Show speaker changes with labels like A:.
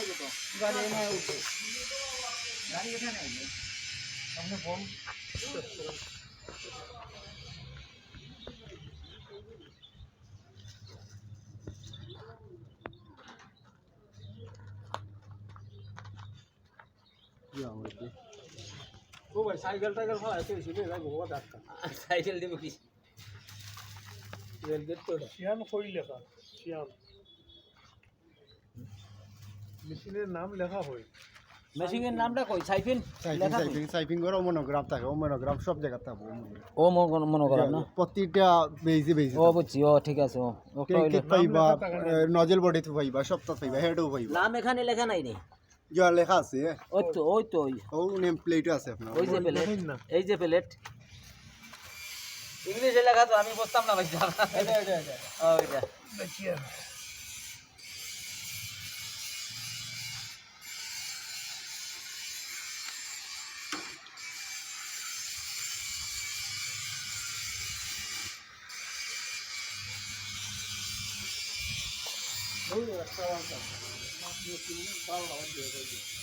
A: गाड़ी में उठो गाड़ी उठा नहीं हमने फोन ओ भाई साइकिल खा ऐसे इसीलिए भाई बहुत डाका साइकिल दे मुझे रेल गेट तो श्याम कोई लेखा श्याम মেশিনের নাম লেখা হয়
B: মেশিনের নামটা কই সাইফিন লেখা কই
C: সাইফিং করে মনোগ্রাফ থাকে ও মনোগ্রাফ সব জায়গা থাকে
B: ও মনোগ্রাম না
C: প্রতিটা বেজি
B: ও বুঝছি ও ঠিক আছে ও ওটা হইলো
C: পাইবা নজল বডি তো পাইবা সবটা পাইবা হেডও পাইবা
B: নাম এখানে লেখা নাই নি
C: যা লেখা আছে
B: ওই তো
C: ও নেম প্লেটও আছে আপনার
B: ওই যে প্লেট এই যে প্লেট ইংলিশে লেখা তো আমি বুঝতাম না ভাই ওইটা
A: দেখিয়ে ওই একটা বাবা দিয়ে বাবা দিয়ে